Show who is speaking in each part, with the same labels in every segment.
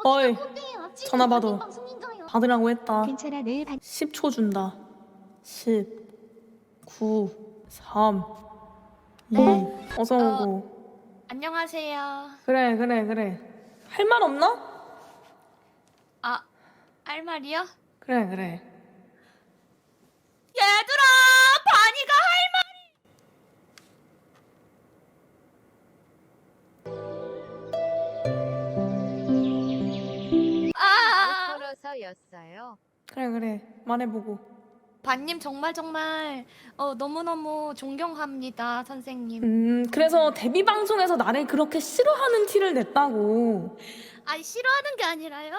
Speaker 1: 어이, 전화 받아.
Speaker 2: 방송인가요?
Speaker 1: 받으라고 했다.
Speaker 3: 괜찮아, 내일
Speaker 1: 10초 준다. 10, 9, 3, 2. 어서 오고.
Speaker 2: 안녕하세요.
Speaker 1: 그래. 할 말 없나?
Speaker 2: 아, 할 말이요?
Speaker 1: 그래.
Speaker 2: 얘들아, 바니가 할
Speaker 3: 걸어서였어요.
Speaker 1: 그래. 말해보고.
Speaker 2: 바님 정말 너무너무 존경합니다, 선생님.
Speaker 1: 그래서 데뷔 방송에서 나를 그렇게 싫어하는 티를 냈다고.
Speaker 2: 아니, 싫어하는 게 아니라요.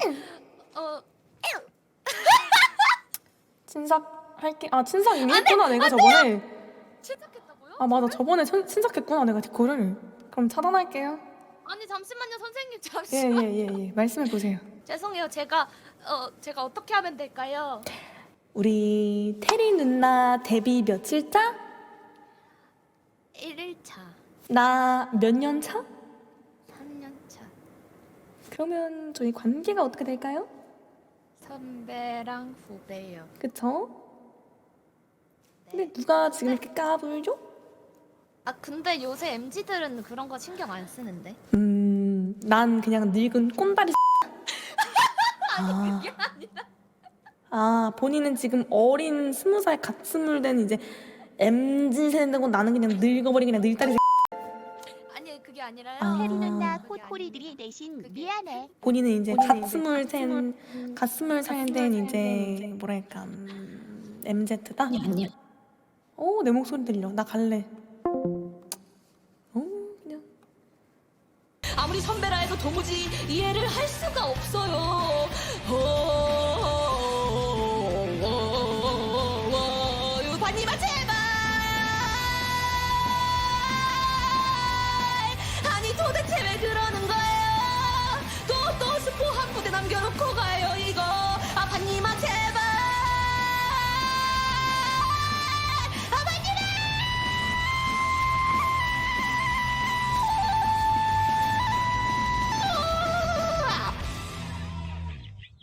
Speaker 1: 친삭할게. 아, 친삭 이미 했구나, 내가 저번에.
Speaker 2: 침착했다고요?
Speaker 1: 아, 맞아. 저번에 친삭했구나, 내가 그거를. 그럼 차단할게요.
Speaker 2: 아니, 잠시만요, 선생님, 잠시만.
Speaker 1: 예. 말씀해보세요.
Speaker 2: 죄송해요, 제가 어떻게 하면 될까요?
Speaker 1: 우리 테리 누나 데뷔 며칠 차?
Speaker 2: 1일차,
Speaker 1: 나 몇 년 차?
Speaker 2: 3년차.
Speaker 1: 그러면 저희 관계가 어떻게 될까요?
Speaker 2: 선배랑 후배요.
Speaker 1: 그쵸? 근데 누가 지금 이렇게 까불죠?
Speaker 2: 아, 근데 요새 MZ들은 그런 거 신경 안 쓰는데.
Speaker 1: 난 그냥 늙은 꼰다리.
Speaker 2: 아니, 그게 아니라.
Speaker 1: 아, 본인은 지금 어린 20살 갓 스물 된 이제 MZ 세대고 나는 그냥 늙어버린 그냥 늙다리.
Speaker 2: 아니, 그게 아니라요.
Speaker 1: 아.
Speaker 3: 테리 누나
Speaker 2: 그게
Speaker 3: 콧꼬리들이 대신 미안해.
Speaker 1: 본인은 이제 갓 스물 살 된 이제 뭐랄까 MZ다.
Speaker 2: 아니야.
Speaker 1: 오, 내 목소리 들려. 나 갈래. 그냥.
Speaker 2: 아무리 선배라 해도 도무지 이해를 할 수가 없어요. 유파님아, 제발. 아니, 도대체 왜 그러는 거예요? 또 스포 한 부대 남겨놓고 가.